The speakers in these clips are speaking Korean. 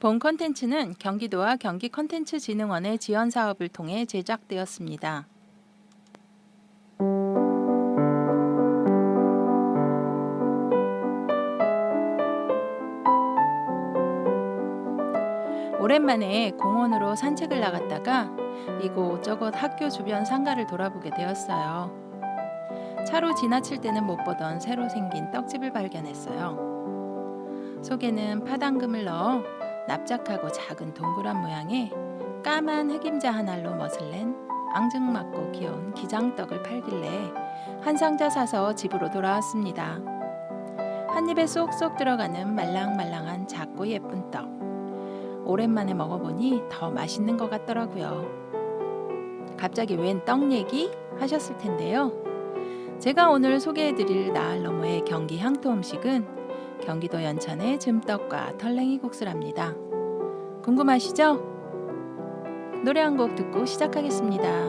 본 콘텐츠는 경기도와 경기콘텐츠진흥원의 지원 사업을 통해 제작되었습니다. 오랜만에 공원으로 산책을 나갔다가 이곳저곳 학교 주변 상가를 돌아보게 되었어요. 차로 지나칠 때는 못 보던 새로 생긴 떡집을 발견했어요. 속에는 파당금을 넣어 납작하고 작은 동그란 모양의 까만 흑임자 한 알로 멋을 낸 앙증맞고 귀여운 기장떡을 팔길래 한 상자 사서 집으로 돌아왔습니다. 한 입에 쏙쏙 들어가는 말랑말랑한 작고 예쁜 떡. 오랜만에 먹어보니 더 맛있는 것 같더라고요. 갑자기 웬 떡 얘기 하셨을 텐데요. 제가 오늘 소개해드릴 나알 너머의 경기 향토 음식은 경기도 연천의 즘떡과 털랭이 국수랍니다. 궁금하시죠? 노래 한 곡 듣고 시작하겠습니다.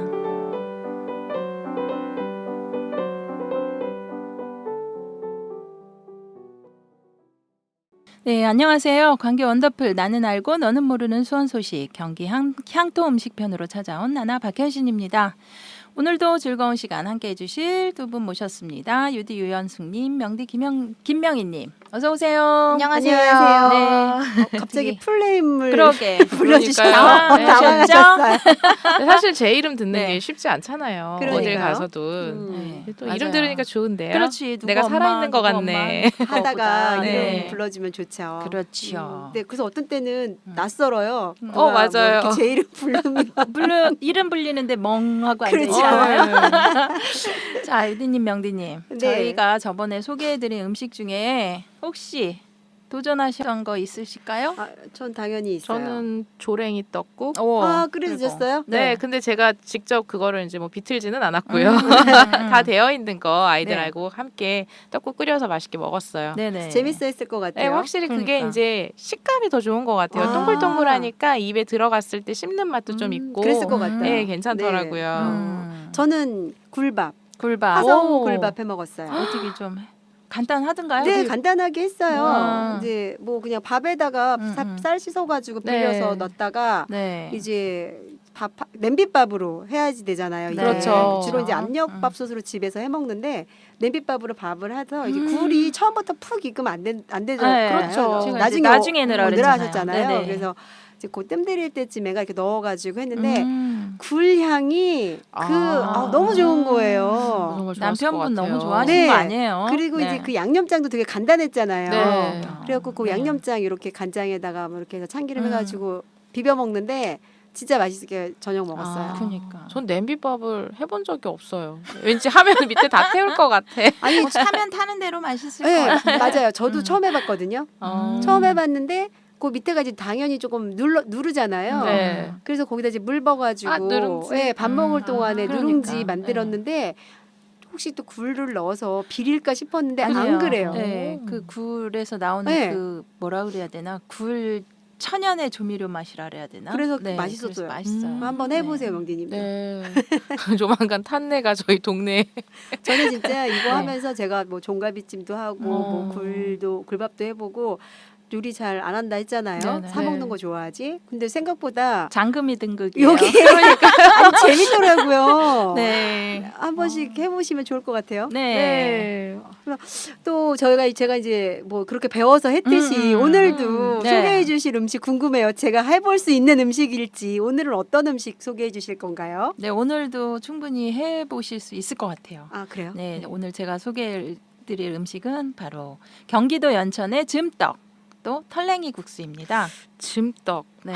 네, 안녕하세요. 관계 원더풀 나는 알고 너는 모르는 수원 소식 경기 향토 음식편으로 찾아온 나나 박현신입니다. 오늘도 즐거운 시간 함께 해주실 두 분 모셨습니다. 유디 유연숙님, 명디 김명희님, 어서 오세요. 안녕하세요. 네, 갑자기 풀네임을 그러게 불러주셔서 당황하셨죠? 당황하셨어요. 사실 제 이름 듣는 네. 게 쉽지 않잖아요. 그러니까요. 어딜 가서도. 네, 또 맞아요. 이름 들으니까 좋은데요. 그렇지. 누구 내가 엄마, 살아있는 것 누구 같네. 엄마, 하다가 네. 이름 불러주면 좋죠. 그렇죠. 네, 그래서 어떤 때는 낯설어요. 맞아요. 제 이름 부르면 이름 불리는데 멍하고 그렇죠. 앉아있잖아요. 네. 자, 유디님, 명디님, 네. 저희가 저번에 소개해드린 음식 중에 혹시 도전하셨던 거 있으실까요? 전 당연히 있어요. 저는 조랭이 떡국. 끓여주셨어요? 네, 근데 제가 직접 그거를 이제 뭐 비틀지는 않았고요. 음. 다 되어 있는 거 네. 아이들하고 함께 떡국 끓여서 맛있게 먹었어요. 네네. 재밌어했을 것 네, 같아요. 확실히 그게 그러니까. 이제 식감이 더 좋은 것 같아요. 아. 동글동글하니까 입에 들어갔을 때 씹는 맛도 좀 있고. 그랬을 것 같아요. 네, 괜찮더라고요. 저는 굴밥, 굴밥. 화성 오. 굴밥 해 먹었어요. 어떻게 좀 간단하던가요? 네, 간단하게 했어요. 음. 이제 뭐 그냥 밥에다가 쌀 씻어가지고 불려서 네. 넣었다가 네. 이제 냄비밥으로 해야지 되잖아요. 이제. 그렇죠. 주로 이제 압력밥솥으로 집에서 해 먹는데 냄비밥으로 밥을 해서 이제 굴이 처음부터 푹 익으면 안 되잖아요. 네, 그렇죠. 지금 나중에 넣으라 넣으라 그랬잖아요. 하셨잖아요. 네네. 그래서 이제 그 뜸 들일 때쯤에가 이렇게 넣어가지고 했는데 굴 향이 너무 좋은 거예요. 정말 좋았을 남편분 것 같아요. 너무 좋아하시는 네. 거 아니에요? 그리고 네. 이제 그 양념장도 되게 간단했잖아요. 네. 그래갖고 그 네. 양념장 이렇게 간장에다가 뭐 이렇게 해서 참기름 해가지고 비벼 먹는데 진짜 맛있게 저녁 먹었어요. 그러니까. 전 냄비밥을 해본 적이 없어요. 왠지 하면 밑에 다 태울 것 같아. 아니, 타면 타는 대로 맛있을 것 네, 같아요. 맞아요. 저도 처음 해봤거든요. 처음 해봤는데 그 밑에가 이제 당연히 조금 누르잖아요. 네. 그래서 거기다 이제 물 버가지고 누룽지. 네, 밥 먹을 동안에 그러니까. 누룽지 만들었는데 혹시 또 굴을 넣어서 비릴까 싶었는데 안 아니에요. 그래요. 네, 그 굴에서 나오는 네. 그 뭐라 그래야 되나? 굴 천연의 조미료 맛이라 그래야 되나? 그래서 네, 맛있었어요. 그래서 맛있어요. 한번 해보세요, 명디님도. 네. 조만간 탄내가 저희 동네에. 저는 진짜 이거 네. 하면서 제가 뭐 종갈비찜도 하고 뭐 굴밥도 해보고 요리 잘 안 한다 했잖아요. 네네. 사 먹는 거 좋아하지. 근데 생각보다 장금이 등극이에요. 여기 아니, 재밌더라고요. 네. 한 번씩 해보시면 좋을 것 같아요. 네. 또 제가 이제 뭐 그렇게 배워서 했듯이 오늘도 네. 소개해 주실 음식 궁금해요. 제가 해볼 수 있는 음식일지 오늘은 어떤 음식 소개해 주실 건가요? 네, 오늘도 충분히 해 보실 수 있을 것 같아요. 아 그래요? 네, 오늘 제가 소개해 드릴 음식은 바로 경기도 연천의 즘떡 또 털랭이 국수입니다. 즘떡. 네.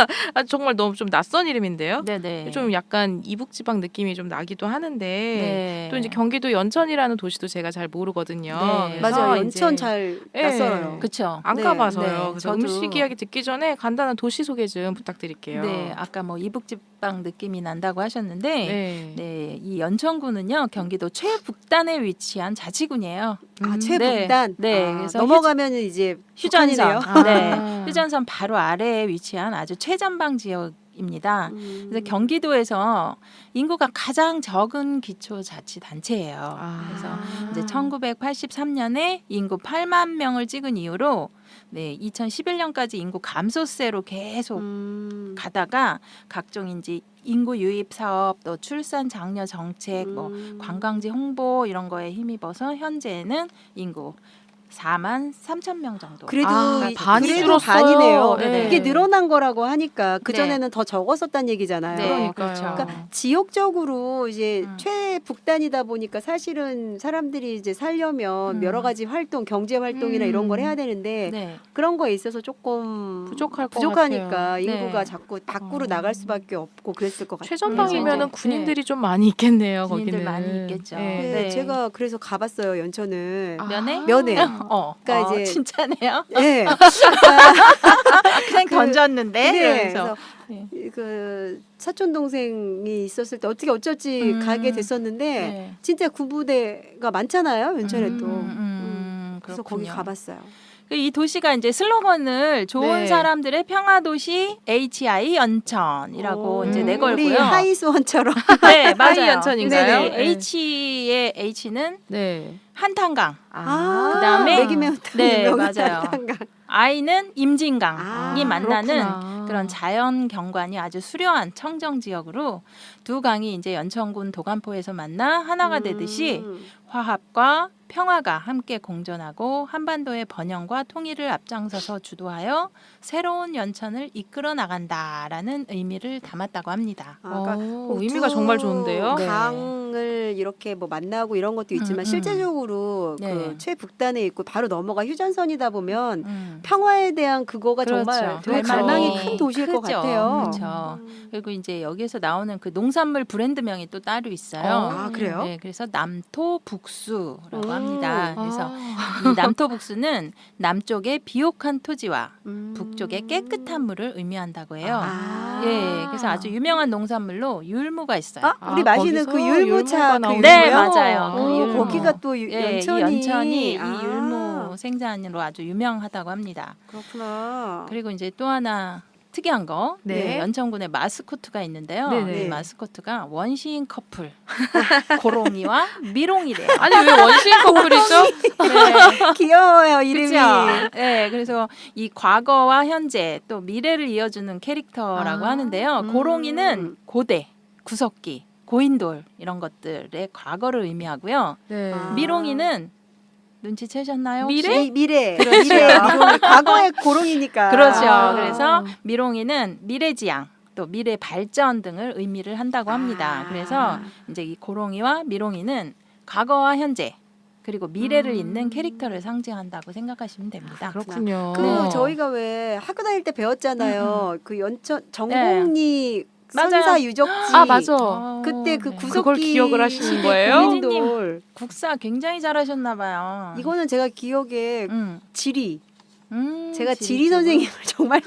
정말 너무 좀 낯선 이름인데요. 네네. 좀 약간 이북지방 느낌이 좀 나기도 하는데 네. 또 이제 경기도 연천이라는 도시도 제가 잘 모르거든요. 네. 그래서 맞아요. 이제 연천 잘 네. 낯설어요. 그렇죠. 안 네. 가봐서요. 네, 그래서 저도- 음식 이야기 듣기 전에 간단한 도시 소개 좀 부탁드릴게요. 네, 아까 뭐 이북지방 느낌이 난다고 하셨는데 네. 네, 이 연천군은요 경기도 최북단에 위치한 자치군이에요. 아 최북단. 네, 그래서 넘어가면은 이제 휴전선, 북한이네요. 네, 휴전선 바로 아래에 위치한 아주 최전방 지역인 입니다. 그래서 경기도에서 인구가 가장 적은 기초자치단체예요. 그래서 이제 1983년에 인구 8만 명을 찍은 이후로 2011년까지 인구 감소세로 계속 가다가 각종 이제 인구 유입 사업, 또 출산 장려 정책, 뭐 관광지 홍보 이런 거에 힘입어서 현재는 인구 4만 3천 명 정도. 그래도 반이 그래도 줄었어요. 반이네요. 네. 이게 늘어난 거라고 하니까 그 네. 전에는 더 적었었단 얘기잖아요. 네, 그러니까요. 그러니까 지역적으로 이제 음. 최북단이다 보니까 사실은 사람들이 이제 살려면 여러 가지 활동, 경제 활동이나 이런 걸 해야 되는데 네. 그런 거에 있어서 조금 부족하니까 같아요. 인구가 네. 자꾸 밖으로 나갈 수밖에 없고 그랬을 것 같아요. 최전방이면은 네. 군인들이 좀 많이 있겠네요. 군인들 거기는 많이 있겠죠. 네. 네, 네. 제가 그래서 가봤어요 연천을. 면회? 면회. 그러니까 이제- 진짜네요. 네. 그냥 던졌는데. 네, 그래서 그래서 그 사촌 동생이 있었을 때 어떻게 어쩔지 가게 됐었는데 네. 진짜 군부대가 많잖아요 연천에 또. 그래서 그렇군요. 거기 가봤어요. 이 도시가 이제 슬로건을 좋은 네. 사람들의 평화 도시 HI 연천이라고 이제 우리 내걸고요. 하이수원처럼. 네, 맞아요. 하이 연천인가요? 네, 네. H의 H는 네. 한탄강, 아, 그다음에 매기매운탕 네, 유명한 맞아요. 한탄강. I는 임진강이 아, 만나는 그렇구나. 그런 자연 경관이 아주 수려한 청정 지역으로 두 강이 이제 연천군 도간포에서 만나 하나가 되듯이 화합과 평화가 함께 공존하고 한반도의 번영과 통일을 앞장서서 주도하여 새로운 연천을 이끌어 나간다라는 의미를 담았다고 합니다. 아, 그러니까 의미가 정말 좋은데요. 네. 강을 이렇게 뭐 만나고 이런 것도 있지만 실제적으로 네. 그 최북단에 있고 바로 넘어가 휴전선이다 보면 음. 평화에 대한 그거가 정말 그렇죠. 되게 그렇죠. 갈망이 큰 도시일 것 크죠. 같아요. 그렇죠. 그리고 이제 여기에서 나오는 그 농산물 브랜드명이 또 따로 있어요. 아, 그래요? 네, 그래서 남토북수라고 합니다. 그래서 아. 이 남토북수는 남쪽의 비옥한 토지와 음. 북쪽의 깨끗한 물을 의미한다고 해요. 아. 예, 그래서 아주 유명한 농산물로 율무가 있어요. 아, 우리 마시는 거기서 그 율무차 율무가 그 네, 율무요? 맞아요. 그 오, 율무. 거기가 또 예, 연천이 이 연천이 아, 이 율무 생산으로 아주 유명하다고 합니다. 그렇구나. 그리고 이제 또 하나 특이한 거, 네. 연천군에 마스코트가 있는데요. 네네. 이 마스코트가 원시인 커플 고롱이와 미롱이래요. 아니 왜 원시인 커플이죠? 네. 귀여워요 이름이. 그죠? 네, 그래서 이 과거와 현재 또 미래를 이어주는 캐릭터라고 아, 하는데요. 고롱이는 고대, 구석기, 고인돌 이런 것들의 과거를 의미하고요. 네. 아. 미롱이는 눈치채셨나요? 혹시? 미래. 그렇죠. 미래 미롱이. 과거의 고롱이니까. 그렇죠. 아. 그래서 미롱이는 미래지향, 또 미래 발전 등을 의미를 한다고 합니다. 아. 그래서 이제 이 고롱이와 미롱이는 과거와 현재 그리고 미래를 잇는 캐릭터를 상징한다고 생각하시면 됩니다. 그렇군요. 그 네. 저희가 왜 학교 다닐 때 배웠잖아요. 그 연천 네. 정곡리 맞아요. 선사 유적지. 아 맞아. 그때 그 네. 구석기 그걸 기억을 하시는 거예요? 고인돌. 국사 굉장히 잘하셨나 봐요. 이거는 제가 기억에 지리. 제가 지리 쪽은? 선생님을 정말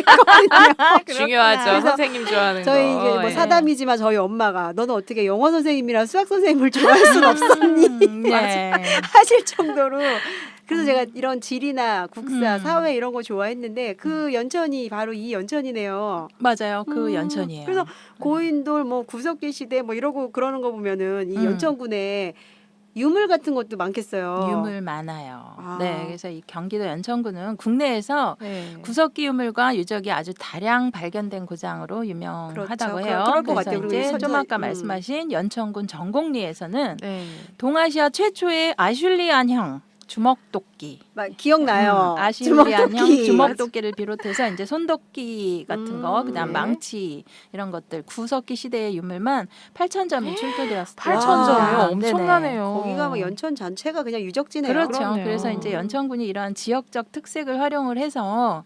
좋아했거든요. 중요하죠. 그래서 선생님 좋아하는 저희 거. 이게 뭐 예. 사담이지만 저희 엄마가 너는 어떻게 영어 선생님이랑 수학 선생님을 좋아할 순 없었니? 네. 하실 정도로 그래서 제가 이런 지리나 국사, 음. 사회 이런 거 좋아했는데 그 연천이 바로 이 연천이네요. 맞아요. 그 연천이에요. 그래서 고인돌 뭐 구석기 시대 뭐 이러고 그러는 거 보면은 이 연천군에 유물 같은 것도 많겠어요. 유물 많아요. 아. 네, 그래서 이 경기도 연천군은 국내에서 네. 구석기 유물과 유적이 아주 다량 발견된 고장으로 유명하다고 그렇죠. 해요. 그럴 것 그래서 같아요. 이제 그리고 좀 아까 선전- 말씀하신 연천군 정곡리에서는 네. 동아시아 최초의 아슐리안형 주먹도끼, 막 기억나요. 아슐리안형 주먹도끼를 비롯해서 이제 손도끼 같은 거, 그다음 네. 망치 이런 것들 구석기 시대의 유물만 8,000점이 출토되었습니다. 8,000점이요? 와, 엄청나네요. 거기가 막 연천 전체가 그냥 유적지네요. 그렇죠. 그렇네요. 그래서 이제 연천군이 이러한 지역적 특색을 활용을 해서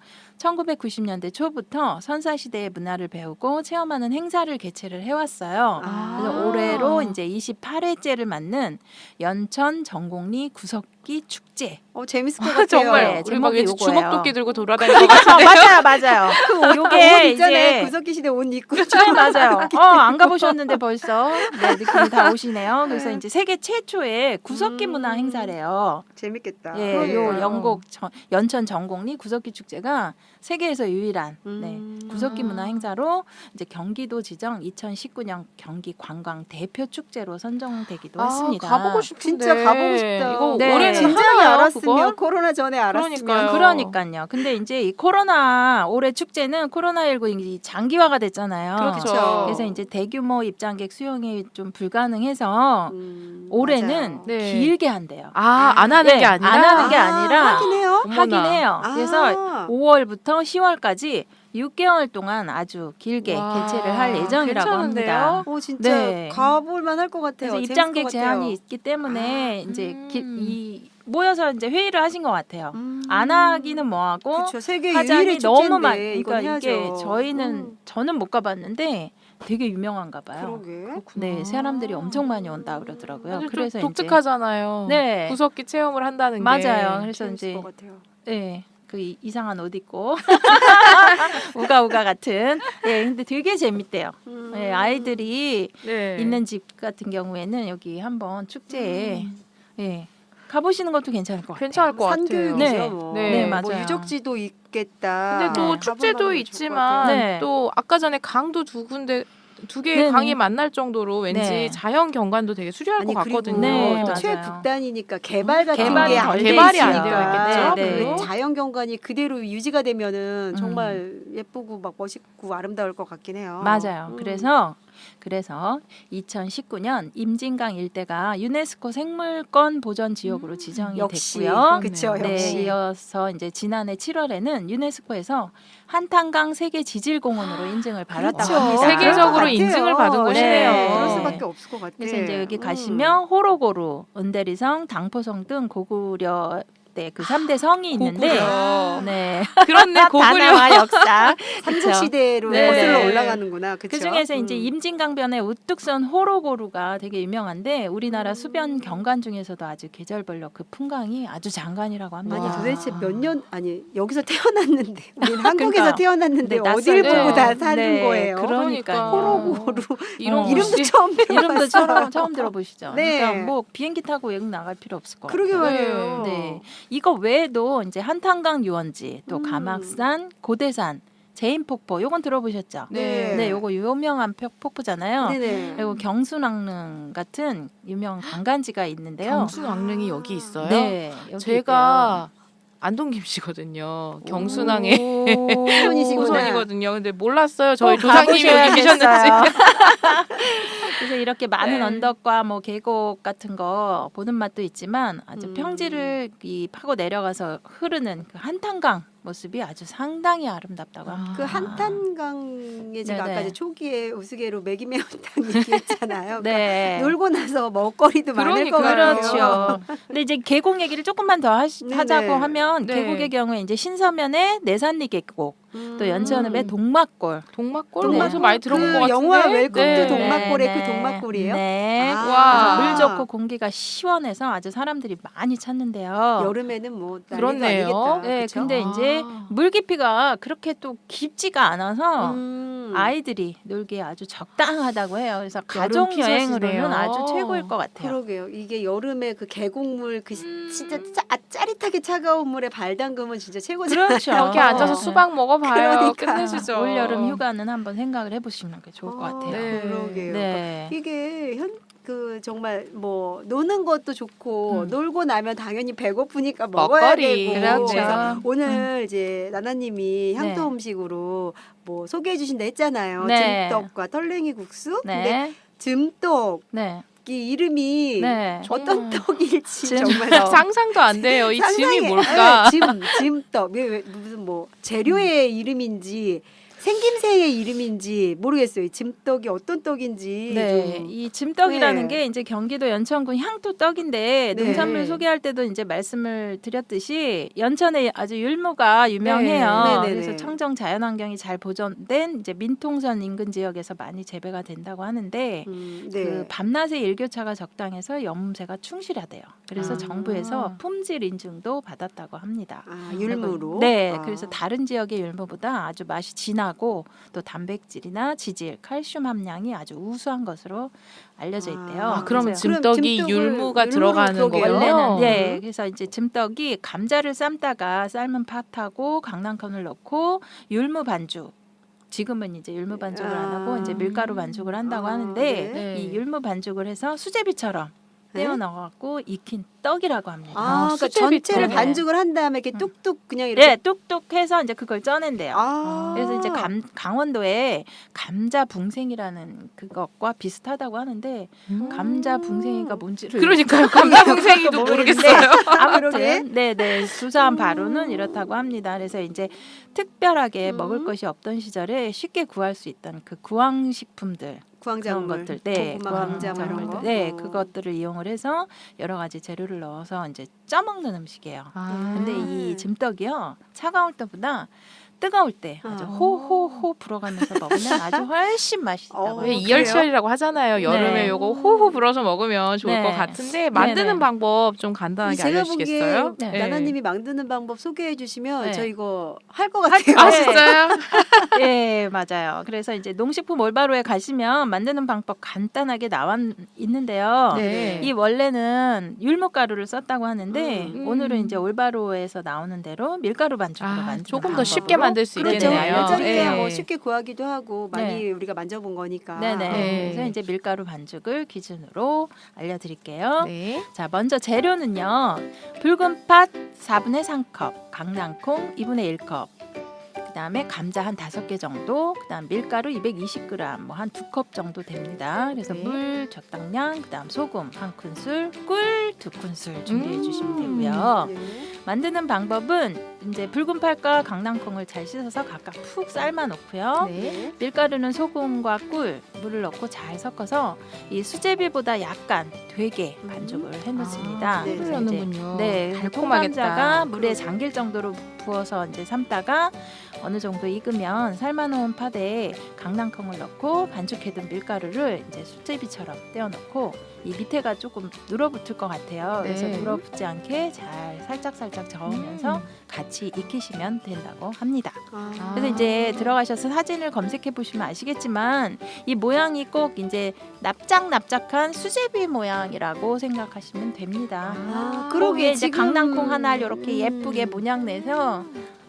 1990년대 초부터 선사시대의 문화를 배우고 체험하는 행사를 개최를 해왔어요. 아. 그래서 올해로 이제 28회째를 맞는 연천 정곡리 구석기 축제. 재밌을 것 같아요. 정말 네, 우리 막 제목이 왠지 요거예요. 주먹도끼 들고 돌아다니는 것 같은데요. 맞아요, 맞아요. 옷 요게 있잖아요. 이제 구석기 시대 옷 입고. 네, 맞아요. 안 가보셨는데 벌써 네, 느낌이 다 오시네요. 그래서 이제 세계 최초의 구석기 문화 행사래요. 재밌겠다. 예, 요 영곡 연천 정곡리 구석기 축제가 세계에서 유일한 음. 구석기 문화 행사로 이제 경기도 지정 2019년 경기 관광 대표 축제로 선정되기도 했습니다. 가보고 싶은데. 진짜 가보고 싶다. 이거 네. 올해는 진작에 하나요, 알았으면 그걸? 코로나 전에 알았으면. 그러니까요. 근데 이제 이 코로나 올해 축제는 코로나19 이 장기화가 됐잖아요. 그렇죠. 그래서 이제 대규모 입장객 수용이 좀 불가능해서 올해는 맞아요. 네. 길게 한대요. 안 하는 네, 게 아니라 안 하는 게 아니라 하긴 해요. 어머나. 하긴 해요. 아. 그래서 5월부터 10월까지 6개월 동안 아주 길게 와, 개최를 할 예정이라고 괜찮은데요? 어, 합니다. 진짜 네. 가볼만 할 것 같아요. 그래서 재밌을 입장객 것 제한이 같아요. 있기 때문에 이제 음. 모여서 이제 회의를 하신 것 같아요. 안 하기는 뭐하고 그렇죠. 세계 하자니 유일의 너무 축제인데 많. 이건 그러니까 이게 해야죠. 저희는 저는 못 가봤는데 되게 유명한가 봐요. 그러게. 네, 사람들이 엄청 많이 온다 그러더라고요. 아주 그래서 좀 이제 독특하잖아요. 네. 구석기 체험을 한다는 게. 맞아요. 그래서 재밌을 이제 것 같아요. 네. 그 이상한 옷 입고 우가우가 같은. 예, 근데 되게 재밌대요. 예, 아이들이 네. 있는 집 같은 경우에는 여기 한번 축제에 예, 가보시는 것도 괜찮을 것 같아요. 괜찮을 것 산교육이죠. 네. 뭐. 네, 뭐 맞아요. 유적지도 있겠다. 근데 또 네. 가볼 축제도 만하면 좋을 것 있지만 같아요. 네. 또 아까 전에 강도 두 개의 네네. 강이 만날 정도로 왠지 네. 자연 경관도 되게 수려할 아니 것 그리고 같거든요. 네, 또 맞아요. 최북단이니까 개발 같은 개발이 게 덜 안 돼 돼 개발이 안 있으니까 되어 있겠죠, 네, 그 네. 자연 경관이 그대로 유지가 되면은 정말 예쁘고 막 멋있고 아름다울 것 같긴 해요. 맞아요. 그래서 2019년 임진강 일대가 유네스코 생물권 보전 지역으로 지정이 역시 됐고요. 그렇죠. 그렇네요. 역시. 네, 이어서 이제 지난해 7월에는 유네스코에서 한탄강 세계 지질공원으로 인증을 받았다고 그렇죠. 합니다. 세계적으로 그럴 것 인증을 같아요. 받은 곳이네요. 그럴 수밖에 없을 것 같아. 그래서 이제 여기 가시면 호로고루, 은대리성, 당포성 등 고구려 때 그 3대 성이 있는데 고구려. 네. 그렇네, 고구려. 다나와 역사. 삼국 시대로 네. 거슬러 네. 올라가는구나. 그쵸? 그 중에서 이제 임진강변의 우뚝선 호로고루가 되게 유명한데 우리나라 수변 경관 중에서도 아주 계절별로 그 풍광이 아주 장관이라고 합니다. 아니 와. 도대체 몇 년 아니 여기서 태어났는데 우리는 한국에서 그러니까. 태어났는데 네, 어딜 낯설죠. 보고 다 사는 네, 거예요. 그러니까요. 호로고루 이런 이름도 이름도 곳이- 처음 이름도 들어봤어요. 처음 들어보시죠. 네. 그러니까 뭐 비행기 타고 여기 나갈 필요 없을 것 그러게 같아요. 말이에요. 네. 이거 외에도 이제 한탄강 유원지, 또 가막산, 고대산, 제인폭포 요건 들어보셨죠? 네. 네, 요거 유명한 폭포잖아요. 네네. 그리고 경순왕릉 같은 유명 관광지가 있는데요. 경순왕릉이 여기 있어요. 네, 여기 제가 안동 김씨거든요. 경순왕의 후손이시구나. 후손이거든요. 근데 몰랐어요. 저희 꼭 조상님이 여기 계셨는지. 가보셔야겠어요. 그래서 이렇게 많은 네. 언덕과 뭐 계곡 같은 거 보는 맛도 있지만 아주 평지를 이 파고 내려가서 흐르는 그 한탄강 모습이 아주 상당히 아름답다고 합니다. 그 한탄강에 제가 네네. 아까 이제 초기에 우스개로 매기 매운탕 얘기했잖아요. 네. 놀고 나서 먹거리도 많을 것 그러니까요. 같아요. 그렇죠. 근데 이제 계곡 얘기를 조금만 더 네네. 하자고 하면 네. 계곡의 경우에 이제 신서면의 내산리 계곡, 또 연천읍의 동막골. 동막골 네. 어디서 많이 들어본 것 같은데. 영화 웰컴 투 네. 동막골의 네, 그 동막골이에요? 네. 아. 와. 물 좋고 공기가 시원해서 아주 사람들이 많이 찾는데요. 여름에는 뭐 난리도 그렇네요. 아니겠다. 네, 그쵸? 근데 이제 물 깊이가 그렇게 또 깊지가 않아서 음. 아이들이 놀기에 아주 적당하다고 해요. 그래서 여름 가족 여행으로는 피서시네요. 아주 최고일 것 같아요. 그러게요. 이게 여름에 그 계곡물 그 진짜 짜릿하게 차가운 물에 발 담그면 진짜 최고잖아요. 그렇죠. 여기 앉아서 수박 먹어봐요. 그러니까. 끝내주죠. 올 여름 휴가는 한번 생각을 해보시는 게 좋을 것 같아요. 네. 그러게요. 네. 이게 그 정말 뭐 노는 것도 좋고 놀고 나면 당연히 배고프니까 먹어야 먹거리. 되고 그렇죠. 그래서 오늘 이제 나나님이 향토 네. 음식으로 뭐 소개해 주신다 했잖아요. 네. 즘떡과 털랭이 국수. 근데 네. 즘떡 네. 이 이름이 네. 어떤 떡일지 즘- 정말 상상도 안 돼요. 이 짐이 상상이- 뭘까? 네, 즘떡 무슨 뭐 재료의 이름인지 생김새의 이름인지 모르겠어요. 즘떡이 어떤 떡인지. 네, 좀. 이 즘떡이라는 네. 게 이제 경기도 연천군 향토 떡인데 네. 농산물 소개할 때도 이제 말씀을 드렸듯이 연천에 아주 율무가 유명해요. 네. 네네네. 그래서 청정 자연환경이 잘 보존된 이제 민통선 인근 지역에서 많이 재배가 된다고 하는데 네. 그 밤낮의 일교차가 적당해서 염새가 충실하대요. 그래서 아. 정부에서 품질 인증도 받았다고 합니다. 아, 율무로. 네, 아. 그래서 다른 지역의 율무보다 아주 맛이 진하고 하고 또 단백질이나 지질, 칼슘 함량이 아주 우수한 것으로 알려져 있대요. 아, 그러면 그래서 찜떡이 찜떡을 율무가 율무로 들어가는 그러게요. 거예요? 원래는 네, 그래서 이제 찜떡이 감자를 삶다가 삶은 팥하고 강낭콩을 넣고 율무 반죽. 지금은 이제 율무 반죽을 안 하고 이제 밀가루 반죽을 한다고 하는데 네. 이 율무 반죽을 해서 수제비처럼 떼어 넣어갖고 익힌 떡이라고 합니다. 그러니까 수제비 전체를 떡. 반죽을 한 다음에 이렇게 뚝뚝 그냥 이렇게. 네, 뚝뚝해서 이제 그걸 쪄낸대요. 그래서 이제 강원도에 감자 붕생이라는 그것과 비슷하다고 하는데 감자 붕생이가 뭔지를 그러니까요. 감자풍생이도 모르겠어요. 아무튼 네네 수사한 바로는 이렇다고 합니다. 그래서 이제 특별하게 먹을 것이 없던 시절에 쉽게 구할 수 있던 그 구황식품들 그런 구황작물, 것들, 네, 고구마, 감자 뭐 이런 거. 네, 그것들을 이용을 해서 여러 가지 재료를 넣어서 이제 쪄먹는 음식이에요. 근데 이 찜떡이요 차가울 때보다 뜨거울 때 아주 호호호 불어가면서 먹으면 아주 훨씬 맛있다고. 왜 이열치열이라고 하잖아요. 여름에 네. 요거 호호 불어서 먹으면 좋을 네. 것 같은데 만드는 네네. 방법 좀 간단하게 제가 알려주시겠어요? 보기에 네. 나나님이 만드는 방법 소개해 주시면 네. 저 이거 할 것 같아요. 아 네. 진짜요? 네, 맞아요. 그래서 이제 농식품 올바로에 가시면 만드는 방법 간단하게 나와 있는데요. 네. 이 원래는 율무가루를 썼다고 하는데 음. 오늘은 이제 올바로에서 나오는 대로 밀가루 반죽으로 만드는 조금 더 방법으로. 쉽게 만들 수 그렇죠. 있겠네요. 여자리야 네. 뭐 쉽게 구하기도 하고 많이 네. 우리가 만져본 거니까. 네네. 네. 그래서 이제 밀가루 반죽을 기준으로 알려드릴게요. 네. 자, 먼저 재료는요. 붉은 팥 4분의 3컵, 강낭콩 2분의 1컵, 그다음에 감자 한 5개 정도, 그다음 밀가루 220g, 뭐 한 2컵 정도 됩니다. 그래서 네. 물 적당량, 그다음 소금 1큰술, 꿀 2큰술 준비해 주시면 되고요. 네. 만드는 방법은 이제 붉은 팥과 강낭콩을 잘 씻어서 각각 푹 삶아 놓고요. 네. 밀가루는 소금과 꿀, 물을 넣고 잘 섞어서 이 수제비보다 약간 되게 반죽을 해놓습니다. 네. 그래서 이제 넣는군요. 네, 달콤하겠다. 통감자가 물에 잠길 정도로 부어서 이제 삶다가 어느 정도 익으면 삶아놓은 팥에 강낭콩을 넣고 반죽해둔 밀가루를 이제 수제비처럼 떼어놓고 이 밑에가 조금 눌어붙을 것 같아요. 그래서 네. 눌어붙지 않게 잘 살짝 저으면서 같이 익히시면 된다고 합니다. 그래서 이제 들어가셔서 사진을 검색해 보시면 아시겠지만 이 모양이 꼭 이제 납작한 수제비 모양이라고 생각하시면 됩니다. 그러게 거기에 이제 지금 강낭콩 하나 이렇게 예쁘게 모양 내서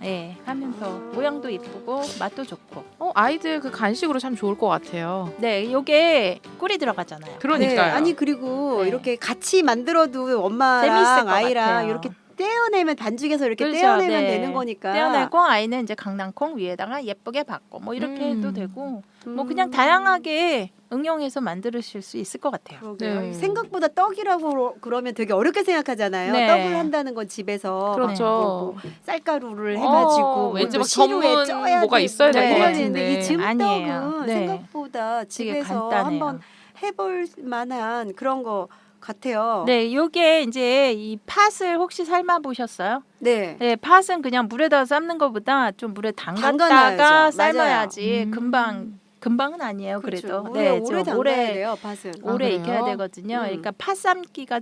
하면서 모양도 이쁘고 맛도 좋고. 아이들 그 간식으로 참 좋을 것 같아요. 네, 요게 꿀이 들어가잖아요. 그러니까요. 네, 아니 그리고 네. 이렇게 같이 만들어도 재밌을 엄마랑 것 아이랑 같아요. 이렇게 떼어내면 반죽에서 이렇게 그렇죠, 떼어내면 네. 되는 거니까. 떼어내고 아이는 이제 강낭콩 위에다가 예쁘게 받고 뭐 이렇게 해도 되고 뭐 그냥 음. 다양하게 응용해서 만드실 수 있을 것 같아요. 그러게요. 네. 생각보다 떡이라고 그러면 되게 어렵게 생각하잖아요. 네. 떡을 한다는 건 집에서 그렇죠. 뭐 쌀가루를 해가지고 왠지 뭐 막 시루에 전문 쪄야 뭐가 돼, 있어야 될 뭐 것 해야 되는데 이 같은데. 아니에요. 찜떡은 네. 생각보다 되게 집에서 간단해요. 한번 해볼 만한 그런 거 같아요. 네, 요게 이제 이 팥을 혹시 삶아 보셨어요? 네. 네, 팥은 그냥 물에다 삶는 것보다 좀 물에 담갔다가 담가놔야죠. 삶아야지 맞아요. 금방은 아니에요. 그렇죠. 그래도 오래 좀 담가야 돼요. 팥은. 오래 그래요? 익혀야 되거든요. 그러니까 팥 삶기가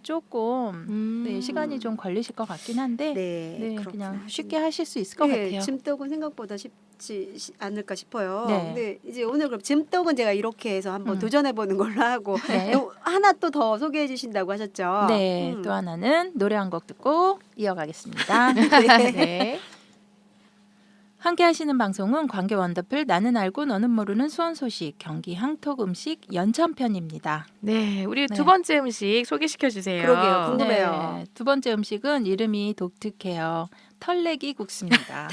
조금 네, 시간이 좀 걸리실 것 같긴 한데 네, 그냥 그렇구나. 쉽게 하실 수 있을 것 네, 같아요. 찜떡은 생각보다 쉽지 않을까 싶어요. 네. 근데 이제 오늘 그럼 찜떡은 제가 이렇게 해서 한번 도전해 보는 걸로 하고 네. 또 하나 또 더 소개해 주신다고 하셨죠? 네, 또 하나는 노래 한 곡 듣고 이어가겠습니다. 네. 함께 하시는 방송은 관계 원더풀 나는 알고 너는 모르는 수원 소식 경기 항톡 음식 연천편입니다. 네, 우리 네. 두 번째 음식 소개시켜 주세요. 그러게요. 궁금해요. 네, 두 번째 음식은 이름이 독특해요. 털내기 국수입니다.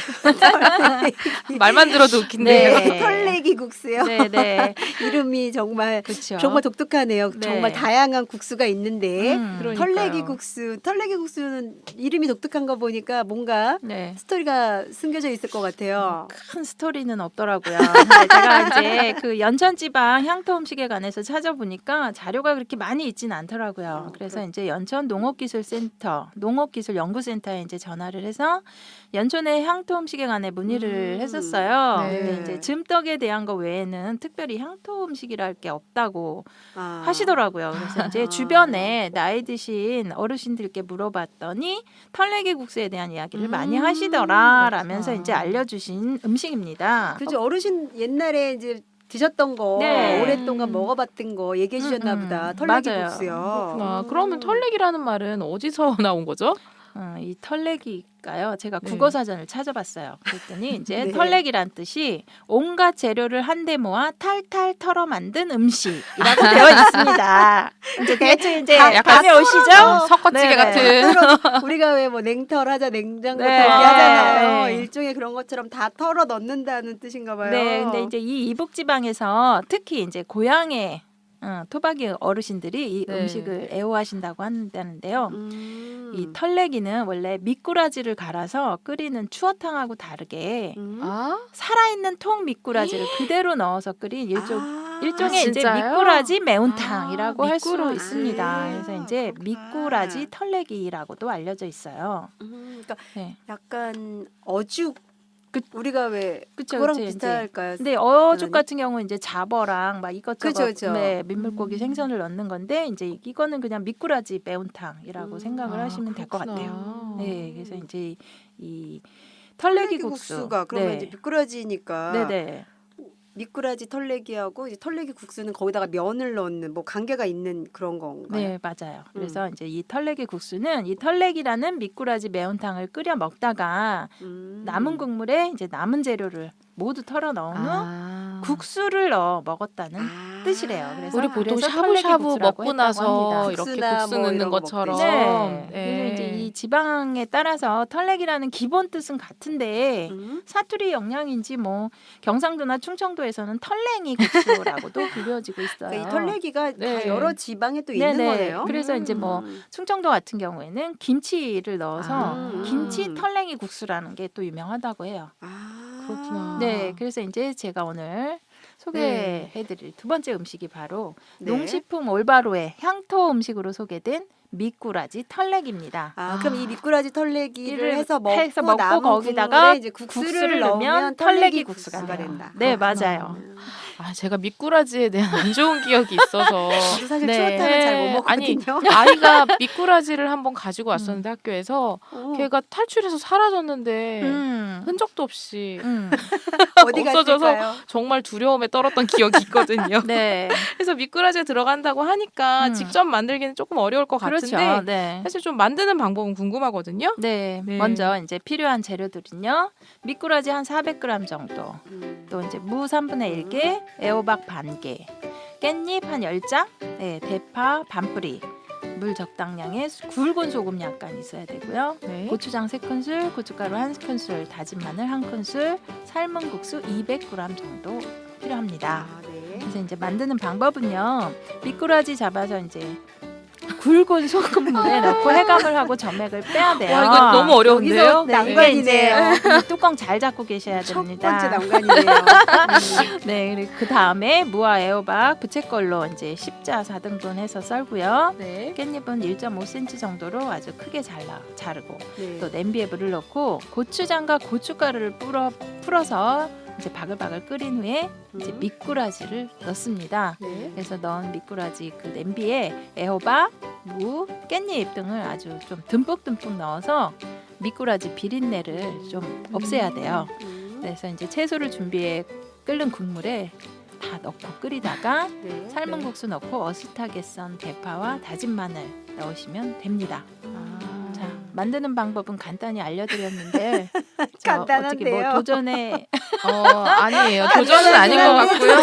말만 들어도 웃긴데요. 네. 털내기 국수요. 네, 네. 이름이 정말 그렇죠. 정말 독특하네요. 네. 정말 다양한 국수가 있는데 그러니까요. 털내기 국수. 털내기 국수는 이름이 독특한 거 보니까 뭔가 네. 스토리가 숨겨져 있을 것 같아요. 큰 스토리는 없더라고요. 근데 제가 이제 그 연천지방 향토 음식에 관해서 찾아보니까 자료가 그렇게 많이 있지는 않더라고요. 그래서 이제 연천 농업기술센터, 농업기술연구센터에 이제 전화를 해서 그래서 연촌의 향토 음식에 관해 문의를 했었어요. 네. 근데 이제 즘떡에 대한 거 외에는 특별히 향토 음식이랄 게 없다고 아. 하시더라고요. 그래서 이제 주변에 나이 드신 어르신들께 물어봤더니 털레기 국수에 대한 이야기를 많이 하시더라라면서 그렇구나. 이제 알려주신 음식입니다. 그죠. 어르신 옛날에 이제 드셨던 거 네. 오랫동안 먹어봤던 거 얘기해 주셨나 보다. 털레기 맞아요. 국수요. 그렇구나. 그러면 털레기라는 말은 어디서 나온 거죠? 이 털레기가요. 제가 네. 국어 사전을 찾아봤어요. 그랬더니 이제 네. 털레기란 뜻이 온갖 재료를 한데 모아 탈탈 털어 만든 음식이라고 되어 있습니다. 이제 대충 이제 약간 감이 오시죠? 석거찌개 네네. 같은. 우리가 왜 뭐 냉털 하자 냉장고 네. 털기 하잖아요. 네. 일종의 그런 것처럼 다 털어 넣는다는 뜻인가 봐요. 네, 근데 이제 이 이북 지방에서 특히 이제 고향의 토박이 어르신들이 이 네. 음식을 애호하신다고 한다는데요. 이 음. 털레기는 원래 미꾸라지를 갈아서 끓이는 추어탕하고 다르게 아, 살아있는 통 미꾸라지를 그대로 넣어서 끓인 일종의 이제 진짜요? 미꾸라지 매운탕이라고 할 수 미꾸라지. 있습니다. 그래서 이제 그렇구나. 미꾸라지 털레기라고도 알려져 있어요. 그러니까 네. 약간 어죽 우리가 왜 그쵸, 그거랑 그쵸, 비슷할까요? 근데 어죽 그러네. 같은 경우는 이제 잡어랑 막 이것저것 그쵸. 네, 민물고기 생선을 넣는 건데 이제 이거는 그냥 미꾸라지 매운탕이라고 생각을 하시면 될 것 같아요. 네, 그래서 이제 이 털레기 국수. 국수가 그러면 네. 이제 미꾸라지니까 네네. 미꾸라지 털레기하고 이제 털레기 국수는 거기다가 면을 넣는 뭐 관계가 있는 그런 건가요? 네, 맞아요. 그래서 이제 이 털레기 국수는 이 털레기라는 미꾸라지 매운탕을 끓여 먹다가 남은 국물에 이제 남은 재료를 모두 털어 넣은 후 국수를 넣어 먹었다는 뜻이래요. 그래서 우리 보통 그래서 털레기 샤브샤브 국수라고 먹고 했다고 나서 합니다. 이렇게 국수나 국수 뭐 넣는 이런 거 것처럼. 먹듯이. 네. 네. 그래서 이제 이 지방에 따라서 털레기라는 기본 뜻은 같은데 사투리 영향인지 뭐 경상도나 충청도에서는 털랭이 국수라고도 불려지고 있어요. 그러니까 이 털레기가 네. 다 여러 지방에 또 있는 네네. 거네요. 그래서 이제 뭐 충청도 같은 경우에는 김치를 넣어서 김치 털랭이 국수라는 게 또 유명하다고 해요. 그렇구나. 네, 그래서 이제 제가 오늘 소개해드릴 두 번째 음식이 바로 네. 농식품 올바로의 향토 음식으로 소개된 미꾸라지 털레기입니다. 그럼 이 미꾸라지 털레기를 해서 먹고, 먹고 남은 거기다가 국물에 이제 국수를 넣으면 털레기 국수가 돼요. 된다. 네, 맞아요. 제가 미꾸라지에 대한 안 좋은 기억이 있어서 저도 사실 네. 추어탕을 잘 못 아니 먹거든요. 아이가 미꾸라지를 한번 가지고 왔었는데 학교에서 어. 걔가 탈출해서 사라졌는데 흔적도 없이 어디 없어져서 갔을까요? 정말 두려움에 떨었던 기억이 있거든요. 네, 그래서 미꾸라지에 들어간다고 하니까 직접 만들기는 조금 어려울 것 그렇죠. 같은데 네. 사실 좀 만드는 방법은 궁금하거든요. 네, 네. 먼저 이제 필요한 재료들은요. 미꾸라지 한 400g 정도, 또 이제 무 3분의 1개, 애호박 반 개, 깻잎 한 10장, 네, 대파 반 뿌리, 물 적당량의 굵은 소금 약간 있어야 되고요. 네. 고추장 3큰술, 고춧가루 1큰술, 다진 마늘 1큰술, 삶은 국수 200g 정도 필요합니다. 네. 그래서 이제 만드는 방법은요. 미꾸라지 잡아서 이제 굵은 소금물에 넣고 해감을 하고 점액을 빼야 돼요. 와 이거 너무 어려운데요. 여기서 네, 난관이네요. 이게 이제 이 뚜껑 잘 잡고 계셔야 첫 됩니다. 번째 난관이네요. 네, 그리고 그 다음에 무와 애호박 부채꼴로 이제 십자 4등분 해서 썰고요. 네. 깻잎은 1.5cm 정도로 아주 크게 자르고 네. 또 냄비에 물을 넣고 고추장과 고춧가루를 풀어서 이제 바글바글 끓인 후에 이제 미꾸라지를 넣습니다. 네. 그래서 넣은 미꾸라지 그 냄비에 애호박, 무, 깻잎 등을 아주 좀 듬뿍듬뿍 넣어서 미꾸라지 비린내를 좀 없애야 돼요. 그래서 이제 채소를 준비해 끓는 국물에 다 넣고 끓이다가 네. 삶은 국수 넣고 어슷하게 썬 대파와 다진 마늘 넣으시면 됩니다. 자, 만드는 방법은 간단히 알려드렸는데 저 어떻게 간단한데요. 뭐 도전에 아니에요. 도전은 아닌 것 같고요.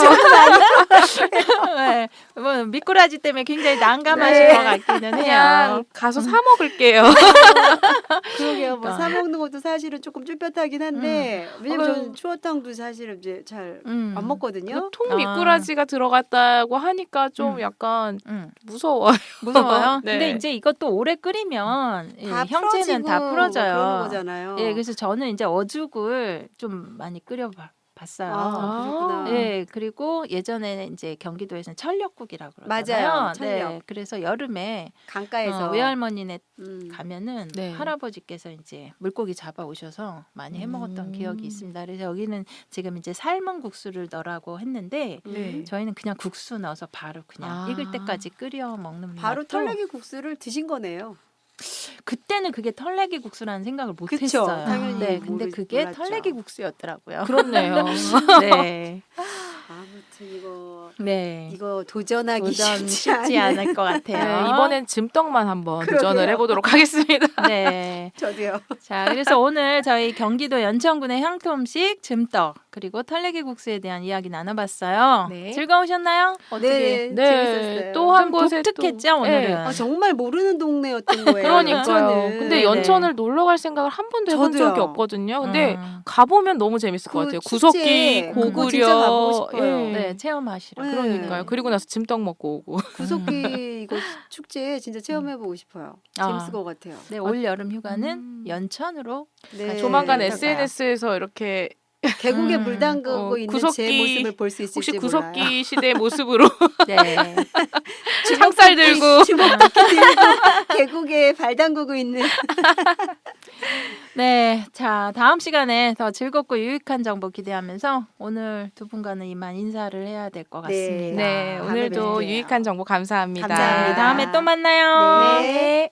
네, 뭐 미꾸라지 때문에 굉장히 난감하신 네. 것 같기는 해요. 그냥 가서 사 먹을게요. 그러게요. 뭐 그러니까. 사 먹는 것도 사실은 조금 쭈뼛하긴 한데 왜냐면 그건- 저는 추어탕도 사실은 이제 잘 안 먹거든요. 통 미꾸라지가 들어갔다고 하니까 좀 약간 무서워요. 무서워요. 네. 근데 이제 이것도 오래 끓이면 다 형체는 다 풀어지고 풀어져요. 뭐 그런 거잖아요. 예, 그래서 저는 이제 어죽을 좀 많이 봤어요. 그렇구나. 네, 그리고 예전에는 이제 경기도에서는 철력국이라고 그러잖아요. 맞아요. 철력. 네, 그래서 여름에 강가에서 외할머니네 음. 가면은 네. 할아버지께서 이제 물고기 잡아 오셔서 많이 해 먹었던 기억이 음. 있습니다. 그래서 여기는 지금 이제 삶은 국수를 넣으라고 했는데 네. 저희는 그냥 국수 넣어서 바로 그냥 아. 익을 때까지 끓여 먹는 바로 맛도 털레기 국수를 드신 거네요. 그때는 그게 털레기 국수라는 생각을 못 그쵸, 했어요. 당연히 네, 근데 그게 몰랐죠. 털레기 국수였더라고요. 그렇네요. 네. 아무튼 네. 이거 도전하기 도전 쉽지 쉽지 않을 것 같아요. 네, 이번엔 즘떡만 한번 그러게요. 도전을 해보도록 하겠습니다. 네. 저도요. 자, 그래서 오늘 저희 경기도 연천군의 향토 음식 즘떡 그리고 털레기 국수에 대한 이야기 나눠봤어요. 네. 즐거우셨나요? 어떻게? 네, 재밌었어요. 또 한 좀 곳에 독특했죠, 또, 오늘은. 네. 정말 모르는 동네였던 거예요. 그러니까요. 연천은. 근데 네네. 연천을 놀러 갈 생각을 한 번도 해본 저도요. 적이 없거든요. 근데 음. 가보면 너무 재밌을 것 그 같아요. 축제, 구석기, 그거 고구려. 진짜 가보고 싶어요. 예. 네, 체험하시라. 네. 그러니까요. 그리고 나서 찜떡 먹고 오고. 구석기 이거 축제 진짜 체험해보고 싶어요. 재밌을 것 같아요. 네, 올 여름 휴가는 연천으로 네. 조만간 어떨까요? SNS에서 이렇게 계곡에 물 담그고 있는 제 구석기, 모습을 볼 수 있을지 혹시 몰라요. 구석기 시대 모습으로 네. 창살 들고 주먹토끼 들고 계곡에 발 담그고 있는. 네, 자 다음 시간에 더 즐겁고 유익한 정보 기대하면서 오늘 두 분과는 이만 인사를 해야 될 것 네. 같습니다. 네, 다음에 오늘도 뵐게요. 유익한 정보 감사합니다. 감사합니다. 다음에 또 만나요. 네.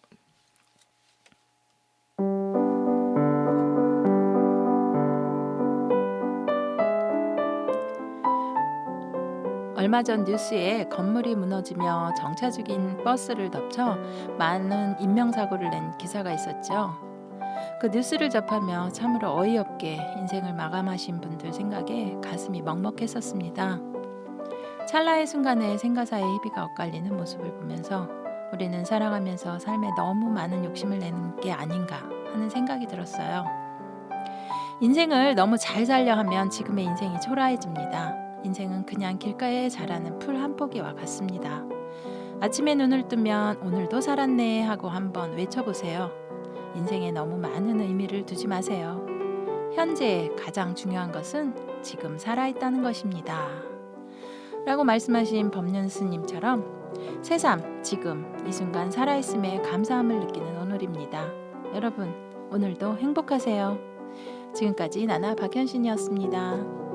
얼마 전 뉴스에 건물이 무너지며 정차 중인 버스를 덮쳐 많은 인명사고를 낸 기사가 있었죠. 그 뉴스를 접하며 참으로 어이없게 인생을 마감하신 분들 생각에 가슴이 먹먹했었습니다. 찰나의 순간에 생가사의 희비가 엇갈리는 모습을 보면서 우리는 살아가면서 삶에 너무 많은 욕심을 내는 게 아닌가 하는 생각이 들었어요. 인생을 너무 잘 살려 하면 지금의 인생이 초라해집니다. 인생은 그냥 길가에 자라는 풀 한 포기와 같습니다. 아침에 눈을 뜨면 오늘도 살았네 하고 한번 외쳐보세요. 인생에 너무 많은 의미를 두지 마세요. 현재 가장 중요한 것은 지금 살아있다는 것입니다. 라고 말씀하신 법륜 스님처럼 새삼 지금 이 순간 살아있음에 감사함을 느끼는 오늘입니다. 여러분 오늘도 행복하세요. 지금까지 나나 박현신이었습니다.